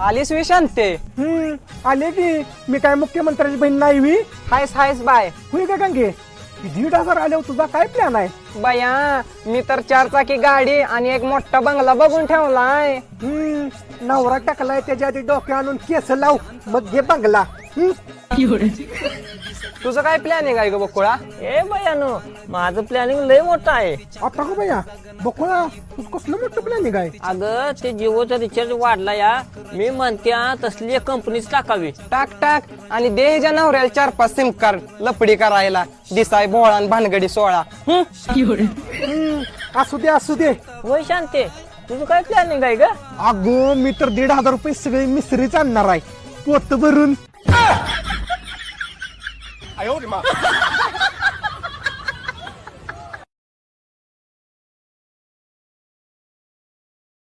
आलीस विशांते. आले की. मी काय मुख्यमंत्र्याची बहीण नाही वी. हायस हायस बाय. होय का गंगे? 1,500 आल्यावर तुझा काय प्लॅन आहे? बया मी तर 4 चाकी गाडी आणि एक मोठा बंगला बघून ठेवलाय. नवरा टाकलाय त्याच्या आधी डोक्या आणून केस लाव मग घे बंगला. तुझं काय प्लॅनिंग आहे ग बकुळा? ए बयानो, माझं प्लॅनिंग लय मोठं आहे. आता का भैया बकुळा तू कसलं मोठं प्लॅनिंग आहे? अगं ते जिओचा रिचार्ज वाढला या. मी म्हणते तसली एक कंपनीच टाकावी. टाक टाक आणि दे ह्याच्या नवऱ्याला 4-5 सिम कार्ड लपडी करायला. दिसाय भोळा आणि भानगडी 16. असू दे असू दे. होय शांते, तुझं काय प्लॅनिंग आहे का? अगो मी तर 1,500 रुपये सगळे मिसरीच आणणार आहे पोत भरून.